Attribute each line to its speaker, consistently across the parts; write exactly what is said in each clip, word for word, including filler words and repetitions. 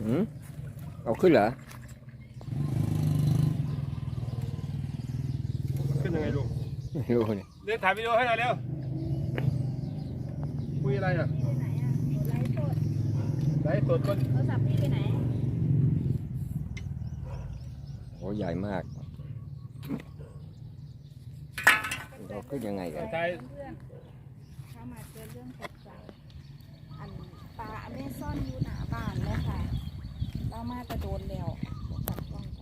Speaker 1: อืมเอาขึ้นเหรอ
Speaker 2: ขึ้นยังไงลุง
Speaker 1: ไม่รู้เนี่ย
Speaker 2: เรียนถ่ายวิดีโอให้หน่อยเร็วคุยอะไรอ่ะ
Speaker 3: พี่ไปไหนอ่ะไลฟ์สด
Speaker 2: ไลฟ์สดก็
Speaker 3: โทรศัพท์พี่ไปไหน
Speaker 1: โอ้ใหญ่มากเราขึ้นยังไงกัน
Speaker 2: ถ่าย
Speaker 3: เพื่อนเข้ามาเจอเรื่องตกใจอันปลาอเมซอนอยู่หน้าบ้านเลยค่ะเรามาจะโดนแล้วจับกล้องกัน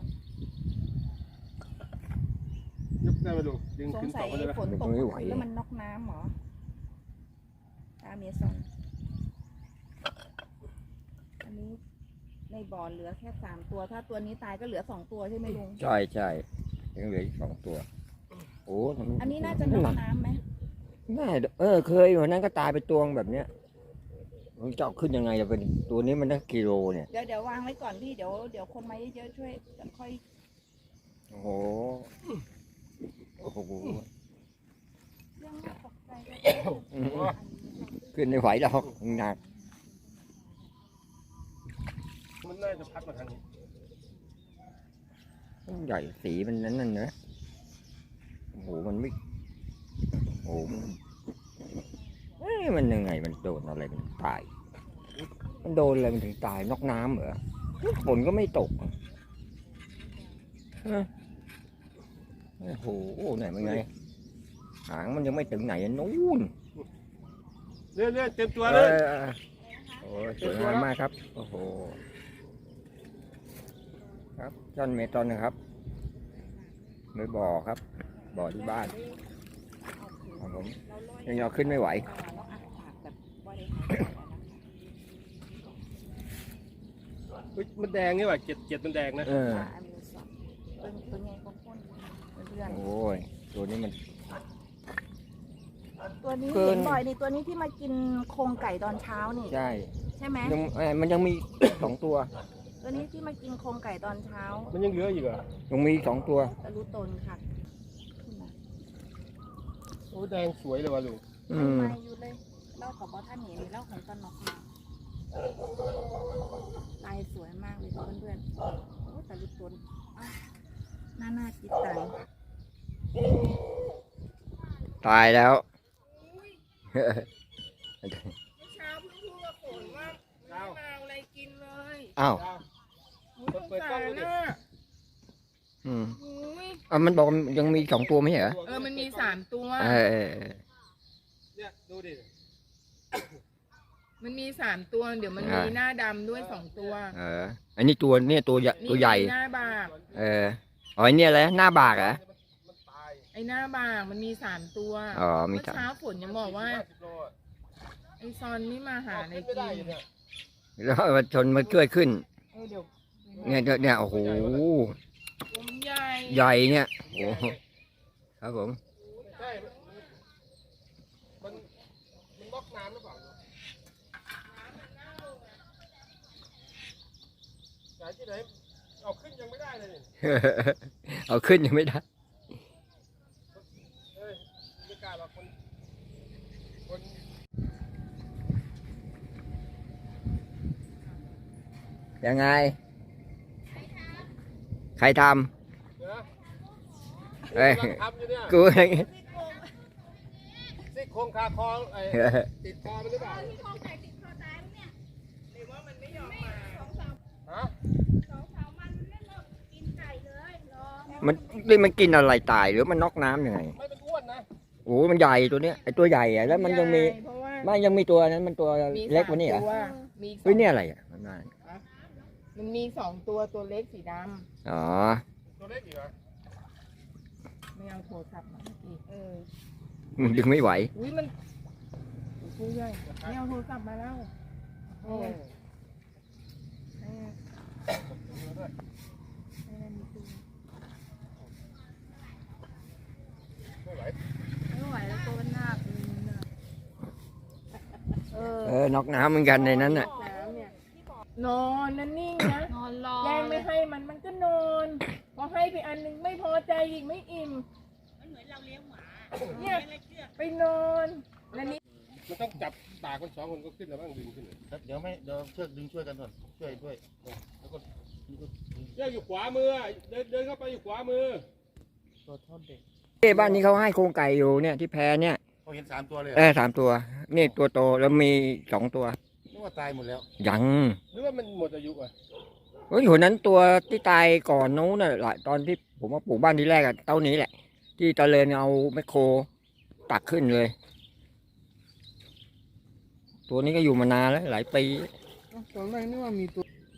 Speaker 2: ยกได้ไหมลุงดึง
Speaker 3: สง
Speaker 2: ขึ้น
Speaker 3: สั
Speaker 2: ต่อย มาเลย
Speaker 3: ฝนตกแล้วมันนอกน้ำเหรอปลาอเมซอนอันนี้ในบ่อเหลือแค่สามตัว ถ้าตัวนี้ตายก็เหลือสองตัวใช่ไหมลุง
Speaker 1: ใช่ใช่ยังเหลืออีกสองตัวโอ้
Speaker 3: อันนี้น่าจะนอกน้ำไหม
Speaker 1: น่าเออเคยวันนั้นก็ตายไปตัวแบบเนี้ยมันจะเอาขึ้นยังไงจะเป็นตัวนี้มันตั้งกิโลเนี่ย
Speaker 3: เดี๋ยวเดี๋ยววางไว้ก่อนพี่เดี๋ยวเดี๋ยวคนมาเยอะๆช่วยกันค่อย
Speaker 1: โอ้โหโอ้โห
Speaker 3: เรื่องน่าตกใจก็
Speaker 1: อืมขึ้นไม่ไหวหรอกหนัก
Speaker 2: มันน่าจะพัดมาทางนี้
Speaker 1: ใหญ่สีมันนั้นนั่นนะโอ้โหมันไม่โอ้โหมันเอ้ยมันยังไงมันโดนอะไรมันตาย มันโดนอะไรมันถึงตายนอกน้ำเหรอฝนก็ไม่ตกฮะโอ้โหไหนมันไงหางมันยังไม่ถึงไหนนู้น
Speaker 2: เรื่อยๆเต็มตัว
Speaker 1: เอ
Speaker 2: เลย
Speaker 1: อโอ้ยสวยงามมากครับโอ้โหครับจอนเมตอนนะครับไม่บ่อครับบ่อที่บ้านของผมยังเอาขึ้นไม่ไหว
Speaker 3: แล้วอัดปากแบบบริหารแล้วนะคะ
Speaker 2: เฮ้ยมันแดงนี่หว่าเจ็ดเจ็ดมันแดงนะ
Speaker 1: เออ
Speaker 3: ปลาอเมซอนเป็นเป็นไงของคนเพื่อน
Speaker 1: โอ้ยตัวนี้มัน
Speaker 3: ตัวนี้
Speaker 1: เกิน
Speaker 3: เห็นบ่อยนี่ตัวนี้ที่มากินโครงไก่ตอนเช้านี่
Speaker 1: ใช่
Speaker 3: ใช่ไหม
Speaker 1: ยังเอ้ยมันยังมี สองตัว
Speaker 3: ตัวนี้ที่มากินโครงไก่ตอนเช้า
Speaker 2: มันยังเหลืออยู่เหรอ
Speaker 1: ยังมีสองตัว
Speaker 3: ตะลุตนค่ะขึ้นมา
Speaker 2: โอ้แดงสวยเลยว่ะลุง
Speaker 1: อื
Speaker 3: ไม่
Speaker 1: ม
Speaker 3: ไม่อยู่เลยเล่าของบอท่านเห็นเล่าของตอนนอกมาลายสวยมากเลยเพื่อนๆโอ้ตะลุตนอ้าวน่าน่าจิตตัง
Speaker 1: ตายแล้ว
Speaker 4: เมื่อเช้าเพิ่งพูดกับฝนว่าไม่มาเอาอะไรกินเลย
Speaker 1: อ้าว
Speaker 4: อุ๊ยสงสารน่ะ
Speaker 1: อืม
Speaker 4: อุ๊ย
Speaker 1: อ่ะมันบอกยังมีสองตัวไม่ใช่เหรอ
Speaker 4: เออมันมีสามตัว
Speaker 1: เออเออเออ
Speaker 2: เนี่ยดูดิ
Speaker 4: มันมีสามตัว เดี๋ยวมันมี
Speaker 1: อ่า
Speaker 4: หน้าดำด้วยสองตัว
Speaker 1: เอออันนี้ตัวเนี่ยตัวใหญ่
Speaker 4: นี่
Speaker 1: ตัวใหญ่
Speaker 4: หน้าบาก
Speaker 1: เอออ๋อไอเนี่ยอะไรหน้าบากเหรอ
Speaker 2: มันตาย
Speaker 4: ไอ้หน้าบากมันมีสามตัว
Speaker 1: อ๋อมี
Speaker 4: เมื่อ
Speaker 1: สาม
Speaker 4: เช้าฝนยังบอกว่า
Speaker 2: ห้าสิบโลอะ
Speaker 4: ไอ้ซอนนี่มาหาอะไร
Speaker 2: ขึ้นไม่
Speaker 4: กิ
Speaker 2: ได้
Speaker 4: น
Speaker 2: อยู่เนี่ย
Speaker 1: แล้วมันชนมันช่วยขึ้น
Speaker 4: เออเดี๋ยว
Speaker 1: เนี่ยเนี่ยโอ้โห
Speaker 4: ตัวมันใหญ่
Speaker 1: ใหญ่เนี่ยโอ้โหครับผม
Speaker 2: ใช่มันมันมันล็อกน้ำหรือเปล่าสายที่ไหนเอาขึ้นยังไม่ได้เลยนี่
Speaker 1: เอาขึ้นยังไม่ได้
Speaker 2: เฮ้ยไม่กล้าหรอกคนคน
Speaker 1: ยังไง ใครท
Speaker 2: เดี๋ยวนะ
Speaker 1: ำเอ้ย
Speaker 2: กำลังทำอยู่เนี่ย
Speaker 1: กูเอง
Speaker 2: ซี่โครงคาคอไอ้ติดคอมันหรือเปล่า
Speaker 4: หรือว่ามันไม่ยอมมา
Speaker 2: ฮะ
Speaker 1: มันนี่มันกินอะไรตายหรือมันน็อกน้ำยังไง
Speaker 2: ไม่เป็นอ้วนนะ
Speaker 1: โอ้มันใหญ่ตัวเนี้ยไอตัวใหญ่อะแล้วมันยังมี
Speaker 4: เพราะว่า
Speaker 1: มันยังมีตัวนั้นมันตัว
Speaker 4: มี
Speaker 1: เล็กกว่านี้เหรอ
Speaker 4: สามตัวมีสอ
Speaker 1: เฮ้ย
Speaker 4: ง
Speaker 1: เนี่ยอะไรอ่ะมันมา
Speaker 4: มันมีสองตัวตัวเล็กสีด
Speaker 1: อ๋อ
Speaker 2: ตัวเล็กอีกเหรอ
Speaker 4: ำไม่เอาโทรศัพท์มาเมื่อกี้เออ
Speaker 1: มันดึงไม่ไหว
Speaker 4: อุ้ยมันผู้ใหญ่ไม่เอาโทรศัพท์มาแล้ว
Speaker 2: โอ้
Speaker 4: ให้ให้มันมีตัว
Speaker 2: ไม่ไหว
Speaker 3: ไม่ไหวแล้วตัวมันหนักเออ
Speaker 1: เออน็อกน้ำเหมือนกันในนั้นน่ะ
Speaker 4: น้ำเนี่ยนอนนั่นนิ่งนะ
Speaker 3: นอนรอ
Speaker 4: แย่งไม่ให้มันมันก็นอนพอให้ไปอันหนึงไม่พอใจอีกไม่อิ่มมันเหมือนเราเลี้ยงหมาเนี่ยไปนอนแล้วนี่
Speaker 2: มันต้องจับตากคนสองคนก็ขึ้นแล้วบ้างดึงขึ้นเลย
Speaker 5: เดี๋ยวไม่เดี๋ยวเชือกดึงช่วยกันก่อนช่วยช่วย
Speaker 2: แล้วก็เชือกอยู่ขวามือเดินเดินเข้าไปอยู่ขวามือ
Speaker 5: ตัวเท่าเด็ก
Speaker 1: เอ้บ้านนี้เขาให้โครงไก่อยู่เนี่ยที่แพเนี่ย
Speaker 5: เขาเห็นสามตัวเลย
Speaker 1: เออสามตัวนี่ตัวโตแล้วมีสองตัว
Speaker 5: นึกว่าตายหมดแล้ว
Speaker 1: ยัง
Speaker 2: หรือว่ามันหมดอายุอ่ะ
Speaker 1: เฮ้ยหัวนั้นตัวที่ตายก่อนนู้นน่ะหลายตอนที่ผมมาปลูกบ้านที่แรกอะเต้านี้แหละ ที่ตะเลนเอาแมคโครตักขึ้นเลย ตัวนี้ก็อยู่มานานแล้วหลายปี
Speaker 5: ตอนแรกนึกว่ามีตัว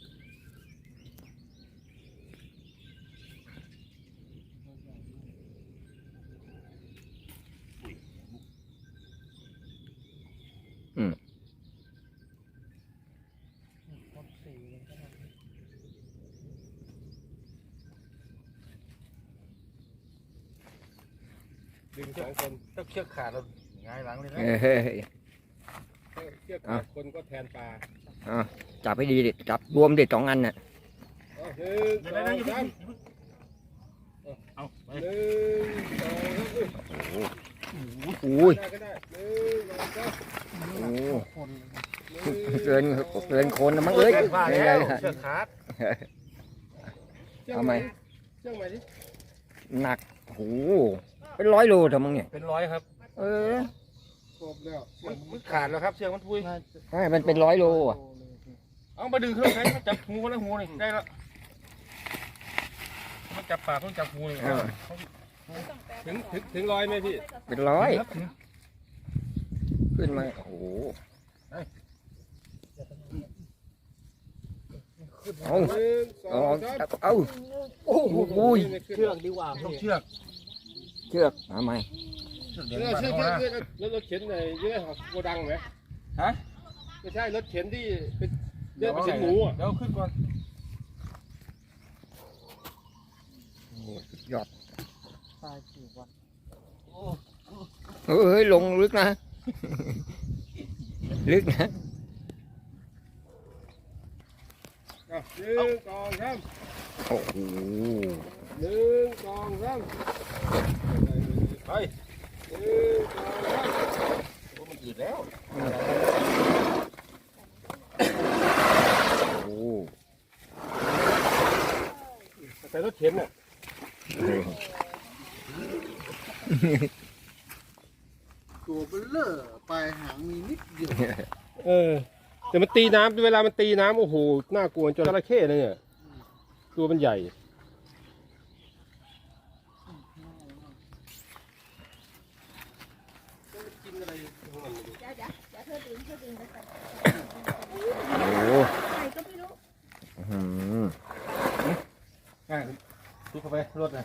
Speaker 2: ดึงสองคน
Speaker 5: ถ้าเชือกขาดเราหงายหลังเลยนะ
Speaker 1: เออ
Speaker 2: เชือกขาดคนก็แทนปลา
Speaker 1: เอาจับให้ดีดิจับรวมเด็ดสองอันน่ะ
Speaker 2: เอาหนึ่ง
Speaker 5: เดี๋
Speaker 2: ส
Speaker 5: ยว
Speaker 2: อ
Speaker 5: นะ
Speaker 2: ง
Speaker 5: อย่าเพิ่
Speaker 2: สาง ม
Speaker 5: เอาไป
Speaker 2: หนึ่งสองสาม
Speaker 1: อุ้ย
Speaker 2: ได้ก็ได้หนึ่งสองสาม
Speaker 1: โอ้
Speaker 5: คน
Speaker 2: หนึ่ง
Speaker 1: เกินเกินคนนะมั้งเอ้ย
Speaker 5: ว่า
Speaker 1: ไม่
Speaker 5: แล้
Speaker 1: ได้
Speaker 5: วเชือกขาด
Speaker 2: เชือก
Speaker 1: เอาไหม
Speaker 2: เชือกใหม่ดิ
Speaker 1: หนักโอ้โหเป็นร้อยโลเถอะมั้งเนี่ย
Speaker 5: เป็นร้อยครับ
Speaker 1: เออ
Speaker 2: ครบแล้ว
Speaker 5: มันมันขาดแล้วครับเชือกมันพุย
Speaker 1: ใช่มันเป็นร้อยโลอ่ะ
Speaker 5: เอามาดึงเครื่องใช้จับหูคนละหูนี่ได้แล้วมันจับปากมันจับหูนี่
Speaker 1: เออ
Speaker 2: ถึงถึงถึงร้อยไหมพี่
Speaker 1: เป็นร้อย
Speaker 5: ครับ
Speaker 1: ขึ้นมาโอ้โหเอา
Speaker 2: หนึ่งสอ
Speaker 1: เอา
Speaker 2: งสาม
Speaker 1: เอาโอ้โหอุ้ย
Speaker 2: เชือกดีกว่า
Speaker 5: ต้องเชือก
Speaker 1: เชือกเอาไหม
Speaker 5: เชือก
Speaker 2: เชื
Speaker 5: เดี๋ยว
Speaker 2: อก
Speaker 5: นี้
Speaker 2: เชือก
Speaker 5: มา
Speaker 2: เชือกเชือกรถรถเข็นไหนยี่ห้อโกดังไหม
Speaker 5: ฮะ
Speaker 2: ไม่ใช่รถเข็นที่เป็นเลือดเป็นหมูอ่ะ
Speaker 5: เดี๋ยวขึ้นก่อน
Speaker 1: โอ้โหสุดยอด
Speaker 5: ตายกี่วัน
Speaker 1: เฮ้ยลงลึกนะ ลึกนะ
Speaker 2: อ่ะหนึ่งสองสาม
Speaker 1: โอ้โห
Speaker 2: หนึ่งสองสาม
Speaker 5: ไป
Speaker 2: หนึ่งสองสาม
Speaker 5: โอ้มันอืดแล้ว
Speaker 1: โอ้โห
Speaker 2: แต่รถเข็นอ่ะ
Speaker 6: ตัวเบลเลอร์ปลายหางมีนิดเดียว
Speaker 2: เออแต่มันตีน้ำเวลามันตีน้ำโอ้โหน่ากลัวจนจระเข้เลยเนี่ยตัวมันใหญ่
Speaker 3: อย่าอย่าอย่าเธอดึงเธอดึงแล้วกัน
Speaker 1: โอ้โห
Speaker 3: ใครก็ไม่รู้
Speaker 1: อื้อหือ
Speaker 5: อ่ะทุกเข้าไปรถนะ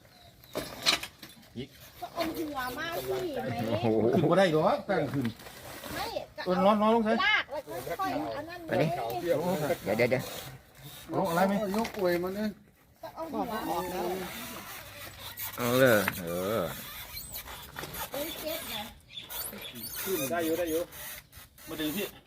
Speaker 3: ก็อมหัวมากสิไหม
Speaker 1: โอ้โห
Speaker 5: ขึ้นก็ได้หรอตั้งขึ้น
Speaker 3: ไม่ก็
Speaker 5: เออ
Speaker 3: เอา
Speaker 5: นอนนอนลงใส่
Speaker 3: ลากแล้วก็ค่อยๆอันนั้น
Speaker 1: ไป
Speaker 3: เล
Speaker 1: ดิ
Speaker 3: ย
Speaker 1: เดี๋ยวเดี๋ยวเดี๋ยว
Speaker 5: เอาอะไรไหม
Speaker 6: ยกอวยมาเนี่ย
Speaker 3: ก็เอาหัวออกแล้ว
Speaker 1: เอาเลยเออ
Speaker 3: เอ้ยเจ็บนะ
Speaker 2: ได้อยู่ได้อยู่
Speaker 5: มาดึงพี่
Speaker 3: เ